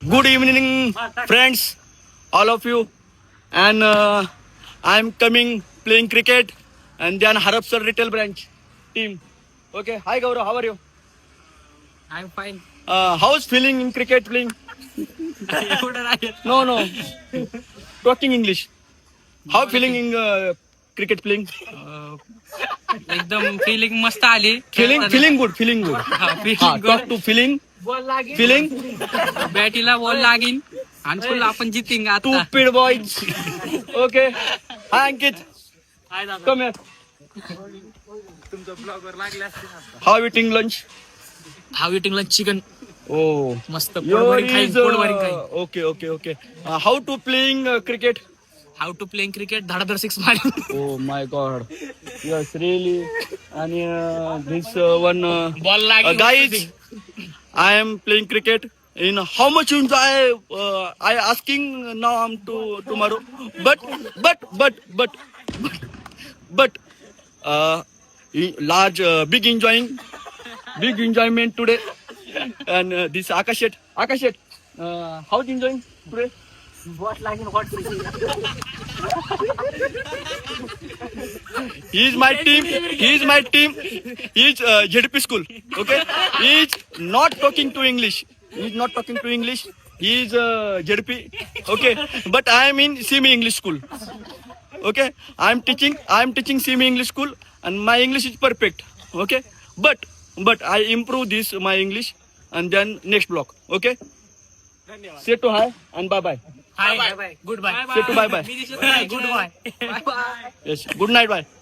Good evening, friends, all of you. And I'm coming playing cricket and then Harapsar retail branch team. Okay, hi Gaurav, how are you? I'm fine. How's feeling in cricket playing? No. Talking English. How feeling in cricket playing? एकदम feeling मस्त आली. Feeling good, feeling good. feeling Talk to feeling. Feeling. बॅटीला ball लागीन आणि full आपण जितिंग आता. Stupid boys. Okay. Hi Ankit. Come here. How eating lunch? How eating lunch chicken Oh. मस्त Your पोटभरी खाईन is पोटभरी खाईन. okay. How to playing cricket? How to playing cricket धडाधड 6 मारी. Oh my God. Yes, really. And this one ball लागीन. guys, I am playing cricket. In how much enjoy I asking now I'm to tomorrow. But large big enjoyment today. And this Akashet. How's enjoying today? Ball लागीन what He is my team. He is ZP school. Okay. He is not talking to English. He is ZP. Okay. But I am in semi English school. Okay. I am teaching semi English school, and my English is perfect. Okay. But I improve this my English, and then next block. Okay. Say to hi and bye bye. Hi good bye. Say to bye bye. Good bye. Yes. Good night. Bye.